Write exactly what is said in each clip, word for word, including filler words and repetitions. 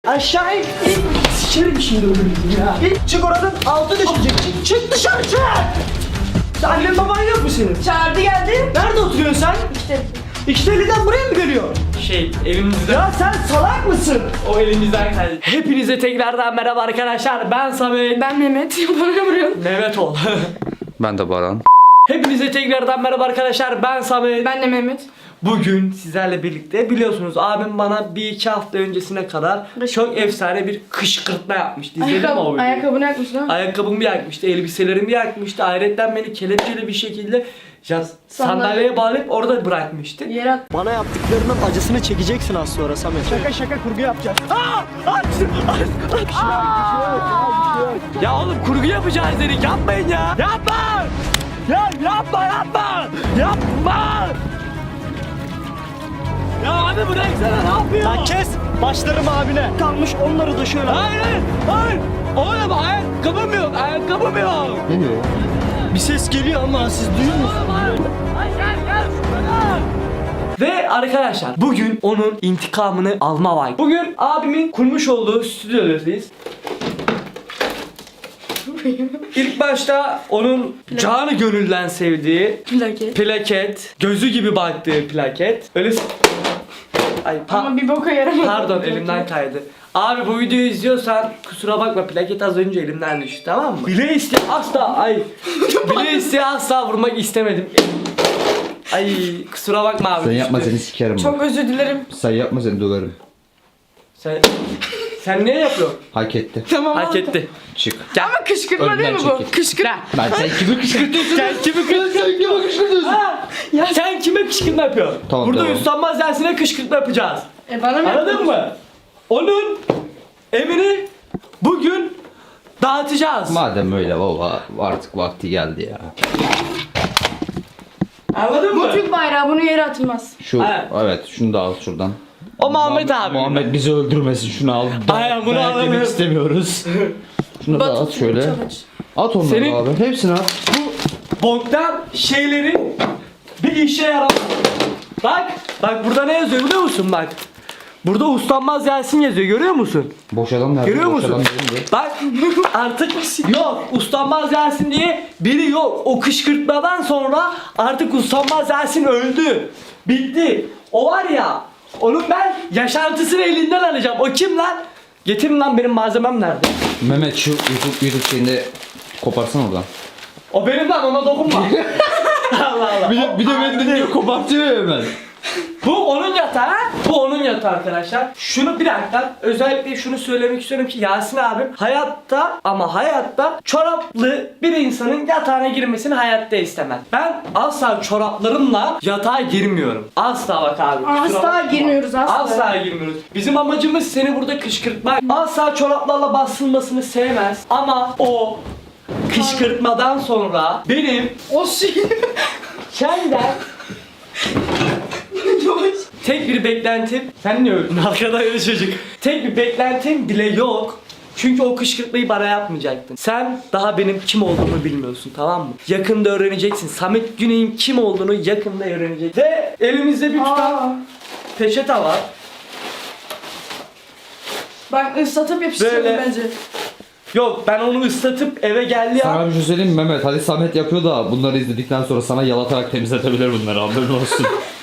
Aşağı in. in. Sikerim şimdi ölürüm ya. İn. Çık oradan altı düşecek. Çık, çık dışarı çık. Annen baban yok mu senin? Çağırdı geldi. Nerede oturuyorsun sen? İşte. İkiteliden buraya mı geliyor? Şey elimizden. Ya sen salak mısın? O elimizden kaydı. Hepinize tekrardan merhaba arkadaşlar. Ben Samet. Ben Mehmet. Bana vuruyorsun. Mehmet ol. Ben de Baran. Hepinize tekrardan merhaba arkadaşlar. Ben Samet. Ben de Mehmet. Bugün sizlerle birlikte biliyorsunuz abim bana bir iki hafta öncesine kadar çok efsane bir kışkırtma yapmıştı. İzledin mi o Ayakkabı, videoyu? ayakkabını yakmış lan. Ayakkabımı yakmıştı, elbiselerimi yakmıştı. Ayrıca beni kelepçeli bir şekilde ya, sandalyeye bağlayıp orada bırakmıştı. Yere at. Bana yaptıklarının acısını çekeceksin az sonra Samet. Şaka şaka kurgu yapacağız. Aa! Aç! Aç! Aç! Ya oğlum kurgu yapacağız dedik, yapmayın ya. Yapma! Ya yapma yapma! Yapma! Ya abi bıraksana, ne yapıyorsun? Lan kes! Başlarım abine. Kalmış onları da şöyle. Hayır hayır hayır! Oğlum ayakkabım yok, ayakkabım yok. Ne diyor? Bir ses geliyor ama siz duyuyor musunuz? Ve arkadaşlar bugün onun intikamını alma vakti. Bugün abimin kurmuş olduğu stüdyodayız. İlk başta onun canı gönülden sevdiği Plaket. plaket, gözü gibi baktığı plaket. Öyle s- Ay pa- Ama bir boka yaramadı. pardon elimden kaydı. Abi bu videoyu izliyorsan kusura bakma, plaket az önce elimden düştü, tamam mı? Bile isteye asla ay bile isteye asla vurmak istemedim. Ay kusura bakma abi. Sen düştü. yapma seni sikerim Çok bak. özür dilerim. Sen yapma seni döverim. Sen sen niye yapıyorsun? Hak etti. Tamam. Hak oldu. etti. Çık. Ama kışkırtma Önden değil mi bu? çekil. Kışkırtma. Ben sen kimi kışkırtıyorsun? Sen kimi kışkırtıyorsun? Ha? Ya. Sen kime kışkırtma yapıyorsun? Tamam, Burada tamam. Üstanmaz dersine kışkırtma yapacağız. E bana mı Anladın yapıyorsun? mı? Onun emini bugün dağıtacağız. Madem öyle baba artık vakti geldi ya. Anladın mı? Bu Türk bayrağı, bunu yere atılmaz. Şu Evet. evet şunu da al şuradan. O Muhammed abi. Muhammed bizi öldürmesin, şunu al. Aynen, bunu Dayak yemek alalım. istemiyoruz. Şunu da at Batu, şöyle. çalış. At onları Senin- abi. Hepsini at. Bu boktan şeylerin bir işe yaramaz. Bak, bak burada ne yazıyor biliyor musun bak. Burada Ustanmaz Yasin yazıyor, görüyor musun? Boş adam nerede? Görüyor Boş musun? adam nerede? Bak artık yok, Ustanmaz Yasin diye biri yok. O kışkırtmadan sonra artık Ustanmaz Yasin öldü. Bitti. O var ya, onun ben yaşantısını elinden alacağım. O kim lan? Getirin lan, benim malzemem nerede? Mehmet şu YouTube, YouTube şeyinde koparsana oradan. O benim lan, ona dokunma. Allah Allah. Bir de, bir de beni dinliyor, kopartıyor ya hemen. Bu onun yatağı, bu onun yatağı arkadaşlar. Şunu bir dakika, özellikle şunu söylemek istiyorum ki Yasin abim hayatta ama hayatta çoraplı bir insanın yatağına girmesini hayatta istemez. Ben asla çoraplarımla yatağa girmiyorum. Asla bak abi. kusura Asla bakma. girmiyoruz asla. Asla girmiyoruz. Bizim amacımız seni burada kışkırtmak. Asla çoraplarla basılmasını sevmez ama o kışkırtmadan sonra benim O şey. senden tek bir beklentim, sen niye öldün arkada öyle çocuk? Tek bir beklentim bile yok. Çünkü o kışkırtmayı bana yapmayacaktın. Sen daha benim kim olduğumu bilmiyorsun, tamam mı? Yakında öğreneceksin. Samet Güney'in kim olduğunu yakında öğreneceksin. Ve elimizde bir tutam Aa. peçete var. Bak ıslatıp yapıştıralım Böyle. bence. Yok, ben onu ıslatıp eve geldi ya. Sana bir şey söyleyeyim mi Mehmet? Hadi Samet yapıyor da bunları izledikten sonra sana yalatarak temizletebilir bunları, haberin olsun.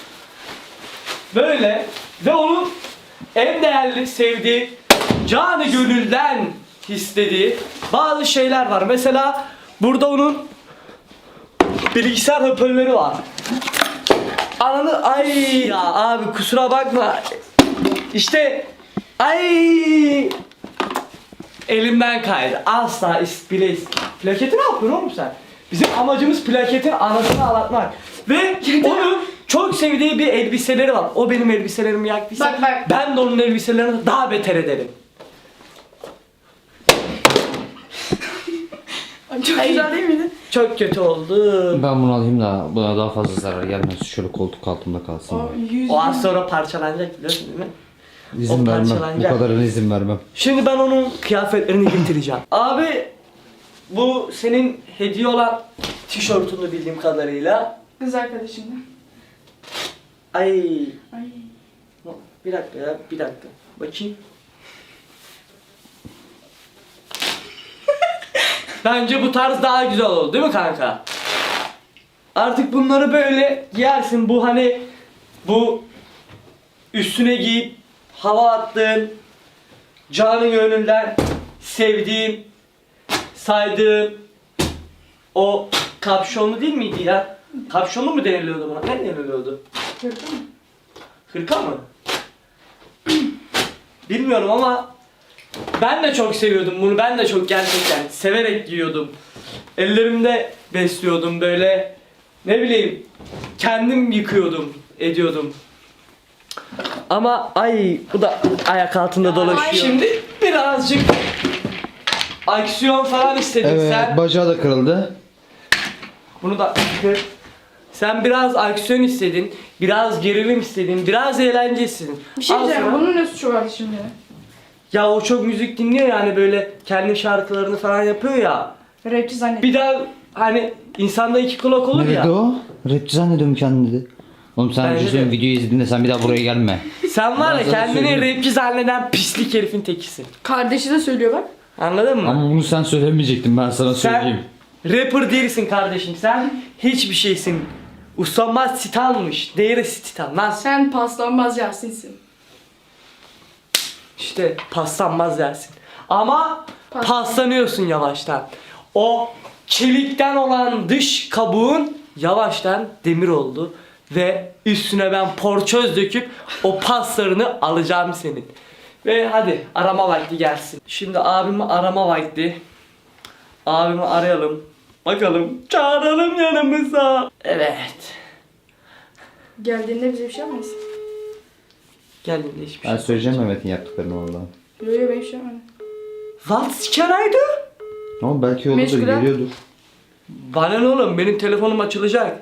Böyle ve onun en değerli sevdiği, canı gönülden istediği bazı şeyler var. Mesela burada onun bilgisayar hoparlörü var. Ananı ay ya abi kusura bakma. İşte ay elimden kaydı. Asla is bile is. Plaketi ne yapıyorsun oğlum sen? Bizim amacımız plaketin anasını ağlatmak. Ve onun çok sevdiği bir elbiseleri var. O benim elbiselerimi yaktıysa Bak, bak. ben de onun elbiselerini daha beter ederim. Çok Ay. güzel değil miydi? Çok kötü oldu. Ben bunu alayım da buna daha fazla zarar gelmez. Şöyle koltuk altımda kalsın. O yüz. O az sonra parçalanacak, biliyorsun değil mi? İzin o vermem. Bu parçalanacak. kadarına izin vermem. Şimdi ben onun kıyafetlerini getireceğim. Abi bu senin hediye olan tişörtünü bildiğim kadarıyla. Kız arkadaşımla. Ay Ay. bir dakika ya, bir dakika. Bakayım. Bence bu tarz daha güzel oldu değil mi kanka? Artık bunları böyle giyersin. Bu hani bu üstüne giyip hava attığın, canı gönülden sevdiğin, saydığın o kapşonlu değil miydi ya? Kapşonlu mu deniliyordu buna? Ne deniliyordu? Gördün mü? Hırka mı? Bilmiyorum ama ben de çok seviyordum bunu. Ben de çok gerçekten severek giyiyordum. Ellerimde besliyordum böyle. Ne bileyim, kendim yıkıyordum, ediyordum. Ama ay bu da ayak altında dolaşıyor. Şimdi birazcık aksiyon falan istedik sen. bacağı da kırıldı. Bunu da kır. Sen biraz aksiyon istedin, biraz gerilim istedin, biraz eğlence istedin. Bir şey Al diyeceğim. sana. Bunun ne suçu vardı şimdi? Ya o çok müzik dinliyor yani böyle kendi şarkılarını falan yapıyor ya. Rapçi zannettim. Bir daha hani insanda iki kulak olur ya. o? Rapçi zannediyorum kendini dedi. Oğlum sen Bence bir şey söyleyeyim, de. videoyu izlediğinde sen bir daha buraya gelme. Sen var ya Ben sana kendini söyleyeyim. rapçi zanneden pislik herifin tekisin. Kardeşi de söylüyor bak. Anladın mı? Ama bunu sen söylemeyecektin, ben sana Sen söyleyeyim. rapper değilsin kardeşim. Sen hiçbir şeysin. Usanmaz titanmış. Değerisi titan lan. Sen paslanmaz Yasin'sin. İşte paslanmaz dersin. Ama Pas- paslanıyorsun yavaştan. O çelikten olan dış kabuğun yavaştan demir oldu. Ve üstüne ben porçöz döküp o paslarını alacağım senin. Ve hadi arama vakti gelsin. Şimdi abimi arama vakti. Abimi arayalım. Bakalım çağıralım yanımıza. Evet. Geldiğinde bize bir şey yapmayız. Geldiğinde hiçbir şey. Ben söyleyeceğim Mehmet'in yaptıklarını orada. Yok yok ben bir şey yapmadım. What can I do? Ama belki yolda Meşgul ha? geliyordur. Bana ne oğlum, benim telefonum açılacak.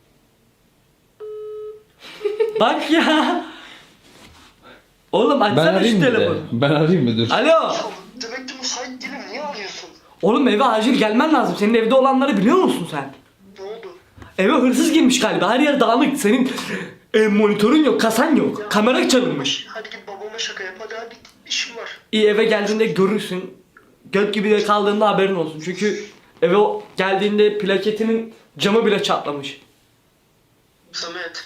Bak ya. Oğlum Ben açsana şu arayayım mı de? telefonu. Ben arayayım mı dur? Alo. Demek ki müsait değilim. Niye arıyorsun? Oğlum eve acil gelmen lazım. Senin evde olanları biliyor musun sen? Ne oldu? Eve hırsız girmiş galiba. Her yer dağınık. Senin e, monitörün yok, kasan yok. Kamera çalınmış. Hadi git babama şaka yap. Hadi hadi. İşim var. İyi, eve geldiğinde görürsün. Göt gibi de kaldığında haberin olsun. Çünkü eve o geldiğinde plaketinin camı bile çatlamış. Samet.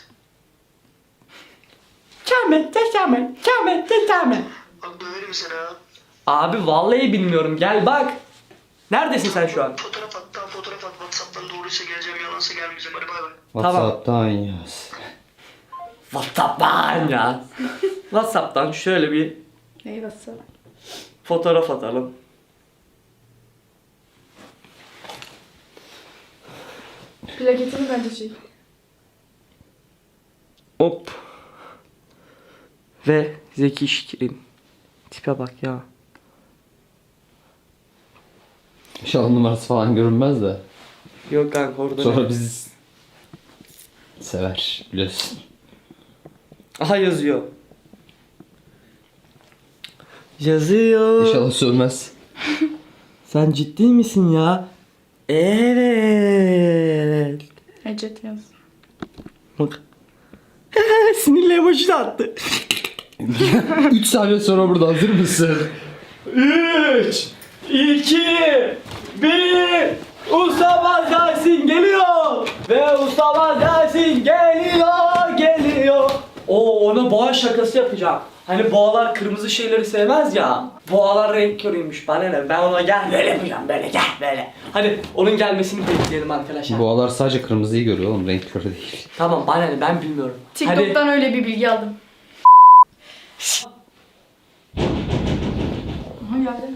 Kamet, kamet, kamet, kamet. Bak döverim seni ha. Abi vallahi bilmiyorum. Gel bak. Neredesin sen şu an? Fotoğraf at. Tamam fotoğraf at. Whatsapp'tan doğruysa geleceğim. Yalansa gelmeyeceğim. Hadi bay bay. WhatsApp'tan yaz. WhatsApp'tan ya. WhatsApp'tan şöyle bir Neyi bassana? fotoğraf atalım. Plaketini bence çek. Hop. Ve Zeki Şirin. Tipe bak ya. İnşallah numarası falan görünmez de. Yok kanka orada. Sonra ne? bizi sever biliyorsun. Aha yazıyor. Yazıyor. İnşallah sövmez. Sen ciddi misin ya? Evet. Ecet yaz. Bak. Sinirli emoji de attı. üç saniye sonra burada, hazır mısın? üç, iki, bir. Usta Yasin geliyor. Ve Usta Yasin geliyor, geliyor. Oo, ona boğa şakası yapacağım. Hani boğalar kırmızı şeyleri sevmez ya. Boğalar renk körüymüş. Bana ne? Ben ona gel böyle yapacağım, böyle gel böyle. Hadi onun gelmesini bekleyelim arkadaşlar. Boğalar sadece kırmızıyı görüyor oğlum, renk körü değil. Tamam bana ne? Ben bilmiyorum. TikTok'tan öyle bir bilgi aldım. Aha geldi.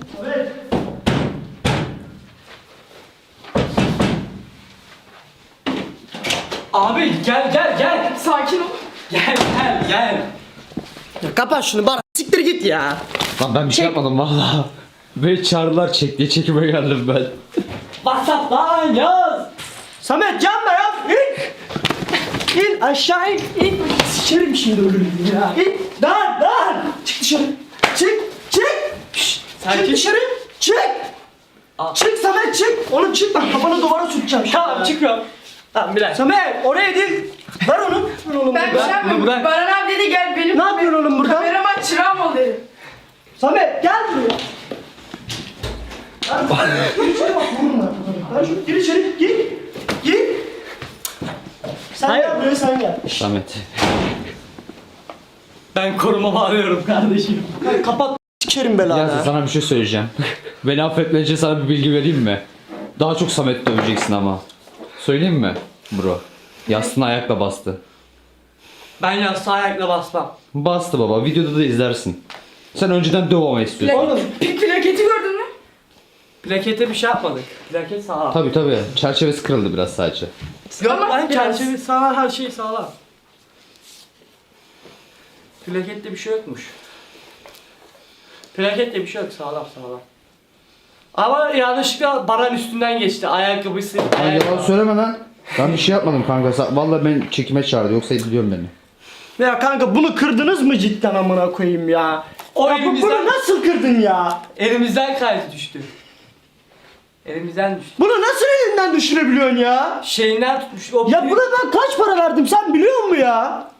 Abi gel gel gel. Sakin ol. Gel gel gel. Ya kapat şunu bana. Siktir git ya. Lan ben bir şey yapmadım valla. Ve çağrılar çek diye çekime geldim ben. WhatsApp'tan yaz. Samet yanma yaz. İn. İn aşağı in. İn. Sikerim şimdi ölürüm ya. İn. Dar dar. Çık dışarı. Çık. Çık. Şşt. Çık dışarı. Çık. Aa. Çık Samet çık. Oğlum çık bak kafana duvara sürteceğim. Tamam çıkıyorum. Tamam bir dakika. Samet oraya değil. Ver onu. Ver oğlum Ben bir burada. şey yapmıyorum. Bunu bırak. Baran abi dedi gel benim. Ne yapıyorsun oğlum burada? Kameraman çırağım ol dedi. Samet gel buraya. Gir içeri bak vurma. Lan şu gir içeri gir. Gir. Sen Hayır. gel buraya sen gel. Samet. Ben korumamı arıyorum kardeşim. Hadi kapat sikerim belanı. Ya sana bir şey söyleyeceğim. Beni affetmen için sana bir bilgi vereyim mi? Daha çok Samet döveceksin ama. Söyleyeyim mi bro? Yastığına ayakla bastı. Ben yastığa ayakla basmam. Bastı baba. Videoda da izlersin. Sen önceden döv ama istiyorsun. Oğlum. Pl- plaketi gördün mü? Plakete bir şey yapmadık. Plaket sağlam. Tabi tabi. Çerçevesi kırıldı biraz sadece. Yok Ama lan biraz. çerçeve sağlam, her şey sağlam. Plakette bir şey yokmuş. Plakette bir şey yok, sağlam sağlam. Ama yanlışlıkla baran üstünden geçti. Ayakkabısı. Lan ayakkabı. yalan söyleme lan. Ben bir şey yapmadım kanka. Sa- Vallahi ben çekime çağırdı. Yoksa biliyorum beni. Ya kanka bunu kırdınız mı cidden amına koyayım ya? O Ya bu, elimizden- bunu nasıl kırdın ya? Elimizden kaydı düştü. Elimizden düştü. Bunu nasıl elinden düşürebiliyorsun ya? Şeyinden tutmuş. O Ya buna ben kaç para verdim sen biliyor musun ya?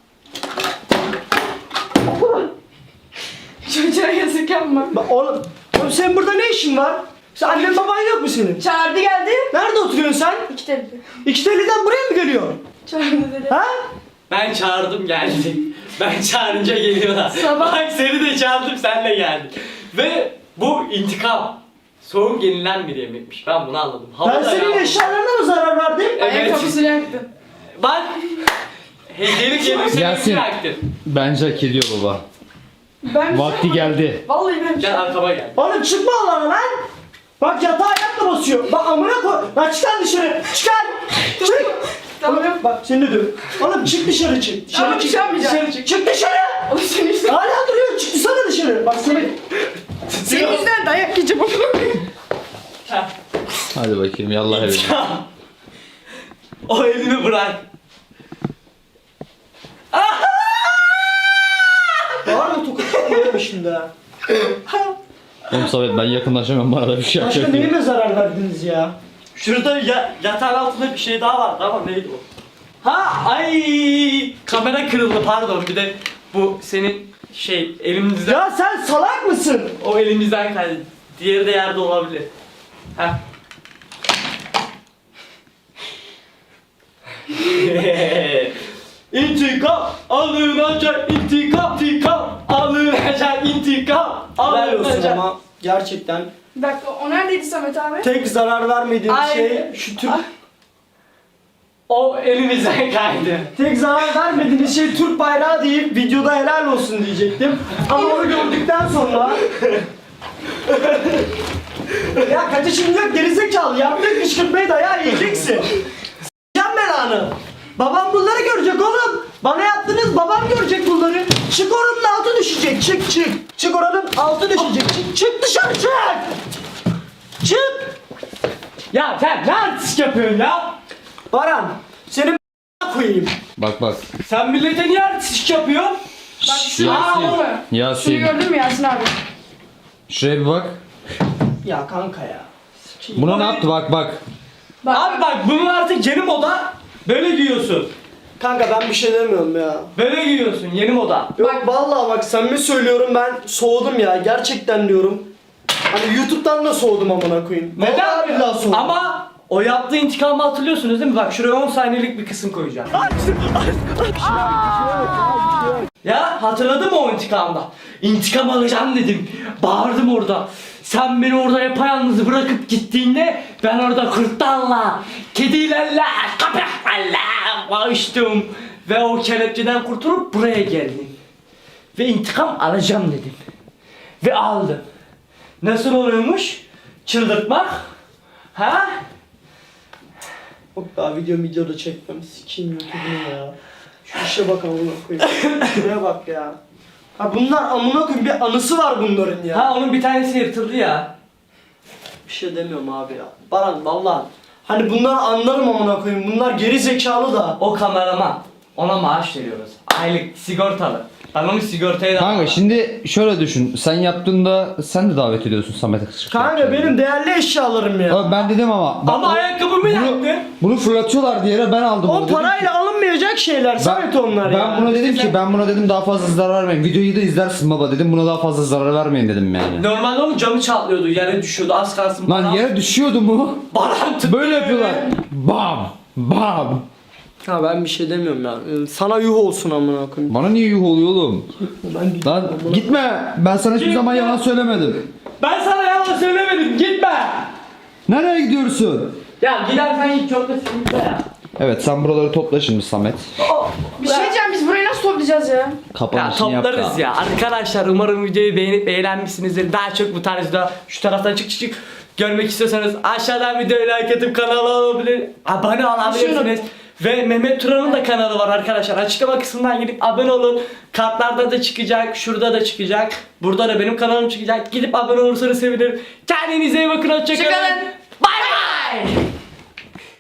Çocuğa yazık yapma. Bak oğlum, oğlum senin burada ne işin var? Sen annen baban yok mu senin? Çağırdı geldi. Nerede oturuyorsun sen? İki tane. İki teliden buraya mı geliyorsun? Çağırdı dedi. Ha? Ben çağırdım geldi. Ben çağırınca geliyorlar. Sabah- Bak seni de çağırdım sen de geldin. Ve bu intikam. Soğuk yenilen bir yemekmiş. Ben bunu anladım. Hava Ben da senin yağmur. eşyalarına mı zarar verdim? Evet. Ayakkabısını yaktın. Bak. Hediyelik elbiseni Yasin. bıraktın. Bence hak ediyor baba. Ben Vakti geldi. Vallahi ben bir şey Gel arkama gel. Oğlum çıkma alana lan! Bak yatağa ayakla basıyor. Bak amına koy. Lan çıkar dışarı. Çıkar. Çık. Tamam. Oğlum, bak seni de döv. Oğlum çık dışarı çık. Dışarı Tamam, çık. çıkamayacağım. Dışarı çık. Çık dışarı. Oğlum senin yüzünden. Hala duruyor. Çıksana dışarı. Bak seni. Senin yüzünden dayak yiyeceğim. Hadi bakayım yallah evine. O elini bırak. Var mı tokatlanıyorum şimdi ha? Oğlum Samet ben yakınlaşamam, bana da bir şey Başka yapacak diye. neyime zarar verdiniz ya? Şurada ya, yatağın altında bir şey daha vardı ama neydi o? Ha ay kamera kırıldı pardon bir de bu senin şey elimizden Ya sen salak mısın? o elimizden kaydı. Diğeri de yerde olabilir. Ha. İntikam alınacak intikam intikam alınacak intikam Helal olsun alınacak. ama gerçekten Bir dakika o neredeydi Samet abi? tek zarar vermediğin Ay. şey şu Türk... O elimizden kaydı. Tek zarar vermediğiniz şey Türk bayrağı deyip videoda helal olsun diyecektim. Ama onu gördükten sonra... ya kaçışım yok gerizekalı. Yaptık kışkırtmayı dayağı yiyeceksin. S**eceğim belanı. Babam bunları görecek oğlum. Bana yaptınız babam görecek bunları. Çık oranın altı düşecek. Çık çık. Çık oranın altı düşecek. Çık, çık dışarı çık. Çık. Ya sen ne artist yapıyorsun ya? Baran senin koyayım. Bak bak. Sen millete niye artist yapıyorsun? Bak şunu Yasin. gördün mü? Şunu Yasin. gördün mü Yasin abi? Şuraya bir bak. Ya kanka ya. Sikeyim. Buna ne yaptı bak bak. Bak. Abi bak bunun artık yeni moda. Böyle giyiyorsun. Kanka ben bir şey demiyorum ya. Böyle giyiyorsun yeni moda. Yok vallahi bak samimi söylüyorum ben soğudum ya gerçekten diyorum. Hani YouTube'dan da soğudum amına koyayım. Vallahi billahi soğudum. Ama o yaptığı intikamı hatırlıyorsunuz değil mi? Bak şuraya on saniyelik bir kısım koyacağım. Ya hatırladın mı o intikamda? İntikam alacağım dedim. Bağırdım orada. Sen beni orada yapayalnız bırakıp gittiğinde ben orada kurtlarla, kedilerle, köpeklerle bağıştım. Ve o kelepçeden kurtulup buraya geldim. Ve intikam alacağım dedim. Ve aldım. Nasıl oluyormuş? Çıldırtmak? Ha? Yok daha video videoda çekmem. Sikeyim YouTube'unu ya. Şu işe bak amına koyayım. Şuraya bak ya. Ha bunlar amına koyayım bir anısı var bunların ya. Ha onun bir tanesi yırtıldı ya. Bir şey demiyorum abi ya. Baran vallahi. Hani bunları anlarım amına koyayım. Bunlar geri zekalı da. O kameraman. Ona maaş veriyoruz. Aylık sigortalı. Ben onu sigortaya da Kanka şimdi şöyle düşün. Sen yaptığında sen de davet ediyorsun Samet'e kışkırtma. Kanka benim değerli eşyalarım ya. Abi ben dedim ama. bak Ama o- ayakkabımı bunu, yaktın. bunu fırlatıyorlar diye ben aldım. O bunu. Dedim ki- parayla alınmayacak şeyler Samet onlar ben ya. buna dedim ki ben buna dedim daha fazla zarar vermeyin. Videoyu da izlersin baba dedim. Buna daha fazla zarar vermeyin dedim yani. Normalde onun camı çatlıyordu, yere düşüyordu, az kalsın. Lan bana- yere düşüyordu mu? Bana tuttu. Böyle yapıyorlar. Bam! Bam! Ha ben bir şey demiyorum ya. Ee, Sana yuh olsun amına koyayım. Bana niye yuh oluyor oğlum? Ben Lan gitme. Ben sana hiçbir Gitme. zaman yalan söylemedim. Ben sana yalan söylemedim, gitme. Nereye gidiyorsun? Ya gidersen git, çok da sıkıntı ya. Evet sen buraları topla şimdi Samet. Bir şey diyeceğim, biz burayı nasıl toplayacağız ya? Ya Kapanışını yap toplarız da. ya. Arkadaşlar umarım videoyu beğenip eğlenmişsinizdir. Daha çok bu tarzda şu taraftan çık çık çık görmek istiyorsanız aşağıdan videoyu like atıp kanala olabilir, abone olabilirsiniz. Ve Mehmet Turan'ın da kanalı var arkadaşlar. Açıklama kısmından gidip abone olun. Kartlarda da çıkacak, şurada da çıkacak. Burada da benim kanalım çıkacak. Gidip abone olursanız sevinirim. Kendinize iyi bakın, hoşçakalın. Hoşçakalın. Bay bay.